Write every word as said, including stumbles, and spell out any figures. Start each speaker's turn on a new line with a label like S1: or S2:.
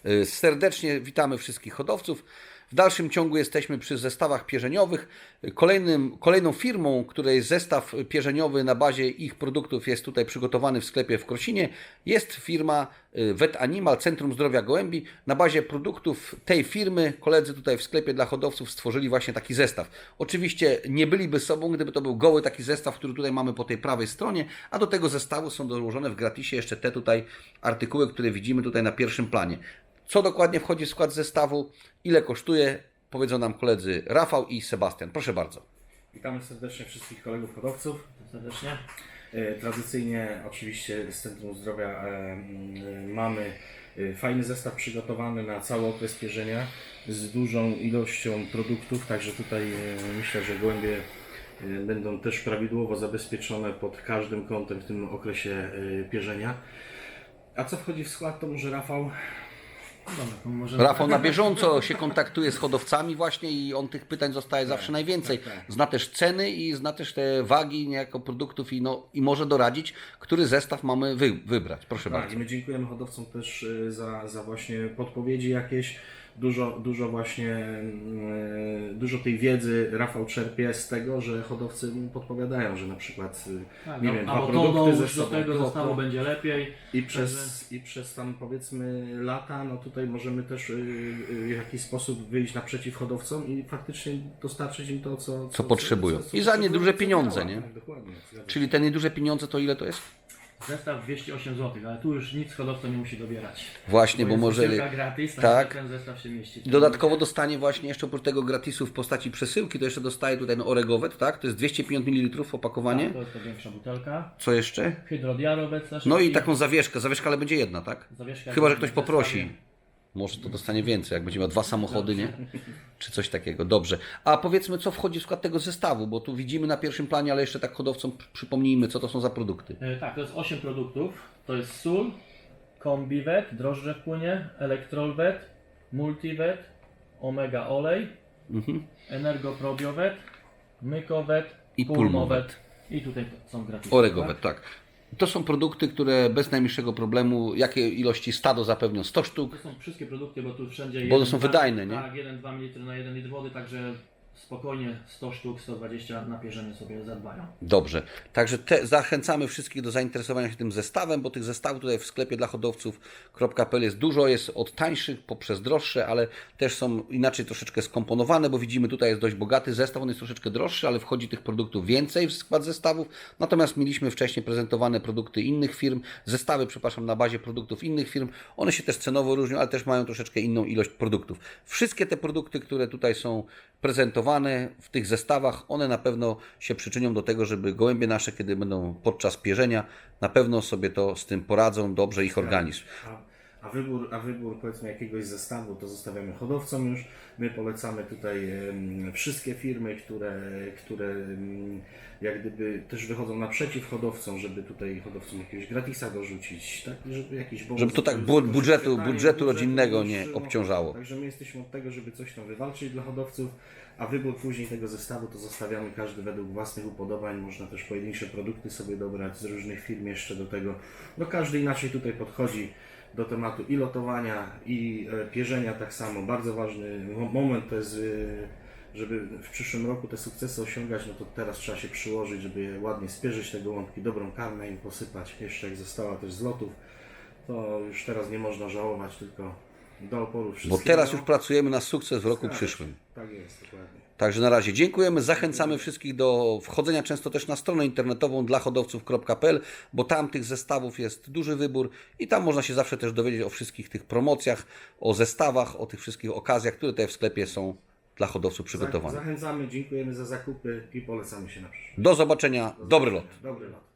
S1: Serdecznie witamy wszystkich hodowców. W dalszym ciągu jesteśmy przy zestawach pierzeniowych. Kolejnym, kolejną firmą, której zestaw pierzeniowy na bazie ich produktów jest tutaj przygotowany w sklepie w Krosinie, jest firma Vet Animal, Centrum Zdrowia Gołębi. Na bazie produktów tej firmy koledzy tutaj w sklepie dla hodowców stworzyli właśnie taki zestaw. Oczywiście nie byliby sobą, gdyby to był goły taki zestaw, który tutaj mamy po tej prawej stronie, a do tego zestawu są dołożone w gratisie jeszcze te tutaj artykuły, które widzimy tutaj na pierwszym planie. Co dokładnie wchodzi w skład zestawu, ile kosztuje, powiedzą nam koledzy Rafał i Sebastian. Proszę bardzo.
S2: Witamy serdecznie wszystkich kolegów hodowców.
S3: Serdecznie.
S2: Tradycyjnie oczywiście z Centrum Zdrowia e, mamy fajny zestaw przygotowany na cały okres pierzenia z dużą ilością produktów, także tutaj myślę, że gołębie będą też prawidłowo zabezpieczone pod każdym kątem w tym okresie pierzenia. A co wchodzi w skład, to może Rafał?
S3: Dobra, to może...
S1: Rafał na bieżąco się kontaktuje z hodowcami właśnie i on tych pytań zostaje zawsze najwięcej.
S2: tak, tak.
S1: Zna też ceny i zna też te wagi niejako produktów i, no, i może doradzić, który zestaw mamy wy, wybrać. Proszę
S2: Tak,
S1: bardzo.
S2: i my dziękujemy hodowcom też za, za właśnie podpowiedzi jakieś. Dużo, dużo właśnie, dużo tej wiedzy Rafał czerpie z tego, że hodowcy mu podpowiadają, że na przykład,
S3: Tak,
S2: nie
S3: no,
S2: wiem, dwa
S3: albo
S2: produkty
S3: to
S2: ze
S3: już do
S2: sobą,
S3: tego
S2: to,
S3: zestawu
S2: to.
S3: będzie lepiej.
S2: I przez, I przez tam powiedzmy lata, no tutaj możemy też y, y, w jakiś sposób wyjść naprzeciw hodowcom i faktycznie dostarczyć im to, co,
S1: Co potrzebują.
S2: co, co,
S1: I za
S2: potrzebują,
S1: nieduże
S2: co
S1: pieniądze,
S2: działa.
S1: nie?
S2: Tak, dokładnie. Zgadza się.
S1: Czyli te nieduże pieniądze to ile to jest?
S3: Zestaw dwieście osiem złotych, ale tu już nic hodowca nie musi dobierać.
S1: Właśnie, bo
S3: jest
S1: może...
S3: wysyłka gratis,
S1: tak.
S3: tak. Ten zestaw się mieści.
S1: Dodatkowo dostanie właśnie jeszcze oprócz tego gratisu w postaci przesyłki, to jeszcze dostaje tutaj no, Oregowet, tak? To jest dwieście pięćdziesiąt mililitrów opakowanie.
S3: Tak, to jest to większa butelka.
S1: Co jeszcze?
S3: Hydrodiarobet też.
S1: No i taką zawieszkę. Zawieszka, ale będzie jedna, tak?
S3: Zawieszka
S1: Chyba że
S3: w
S1: ktoś
S3: zestawie.
S1: poprosi. Może to dostanie więcej, jak będzie miał dwa samochody, nie? Czy coś takiego. Dobrze. A powiedzmy, co wchodzi w skład tego zestawu, bo tu widzimy na pierwszym planie, ale jeszcze tak hodowcom przypomnijmy, co to są za produkty.
S3: E, tak, to jest osiem produktów. To jest sól, kombiwet, drożdże w płynie, elektrolwet, multiwet, omega olej,
S1: Mhm.
S3: energoprobiowet, mykowet,
S1: I
S3: pulmowet.
S1: pulmowet.
S3: I tutaj są gratis.
S1: Oregowet, tak. To są produkty, które bez najmniejszego problemu, jakie ilości stado zapewnią? sto sztuk.
S3: To są wszystkie produkty, bo tu wszędzie
S1: Bo
S3: jeden,
S1: to są
S3: dwa-
S1: wydajne, nie?
S3: Tak, jeden dwa mililitry na jeden litr wody, także spokojnie sto sztuk, sto dwadzieścia na pierzenie sobie zadbają.
S1: Dobrze. Także te, zachęcamy wszystkich do zainteresowania się tym zestawem, bo tych zestawów tutaj w sklepie dla hodowców kropka p l jest dużo, jest od tańszych poprzez droższe, ale też są inaczej troszeczkę skomponowane, bo widzimy tutaj jest dość bogaty zestaw, on jest troszeczkę droższy, ale wchodzi tych produktów więcej w skład zestawów. Natomiast mieliśmy wcześniej prezentowane produkty innych firm, zestawy, przepraszam, na bazie produktów innych firm. One się też cenowo różnią, ale też mają troszeczkę inną ilość produktów. Wszystkie te produkty, które tutaj są prezentowane w tych zestawach, one na pewno się przyczynią do tego, żeby gołębie nasze, kiedy będą podczas pierzenia, na pewno sobie to z tym poradzą, dobrze ich organizm.
S2: A, a, wybór, a wybór powiedzmy jakiegoś zestawu to zostawiamy hodowcom już. My polecamy tutaj em, wszystkie firmy, które, które em, jak gdyby też wychodzą naprzeciw hodowcom, żeby tutaj hodowcom jakiegoś gratisa dorzucić, tak? Żeby jakiś bonus,
S1: Żeby to tak
S2: żeby
S1: bu-
S2: to
S1: budżetu-
S2: wyświetlanie
S1: budżetu rodzinnego
S2: już,
S1: nie
S2: no,
S1: obciążało.
S2: Także my jesteśmy od tego, żeby coś tam wywalczyć dla hodowców, a wybór później tego zestawu to zostawiamy każdy według własnych upodobań. Można też pojedyncze produkty sobie dobrać z różnych firm jeszcze do tego. No każdy inaczej tutaj podchodzi do tematu i lotowania, i e, pierzenia tak samo. Bardzo ważny mo- moment to jest, e, żeby w przyszłym roku te sukcesy osiągać, no to teraz trzeba się przyłożyć, żeby je ładnie spierzyć te gołąbki, dobrą karmę im posypać. Jeszcze jak została też z lotów, to już teraz nie można żałować, tylko do oporu
S1: Bo
S2: wszystkiego.
S1: teraz już pracujemy na sukces w roku
S2: Tak,
S1: przyszłym.
S2: Tak jest, dokładnie.
S1: Także na razie dziękujemy, zachęcamy wszystkich do wchodzenia często też na stronę internetową dla hodowców kropka p l, bo tam tych zestawów jest duży wybór i tam można się zawsze też dowiedzieć o wszystkich tych promocjach, o zestawach, o tych wszystkich okazjach, które tutaj w sklepie są dla hodowców przygotowane.
S2: Zachęcamy, dziękujemy za zakupy i polecamy się na przyszłość.
S1: Do zobaczenia, dobry lot.
S2: Dobry lot.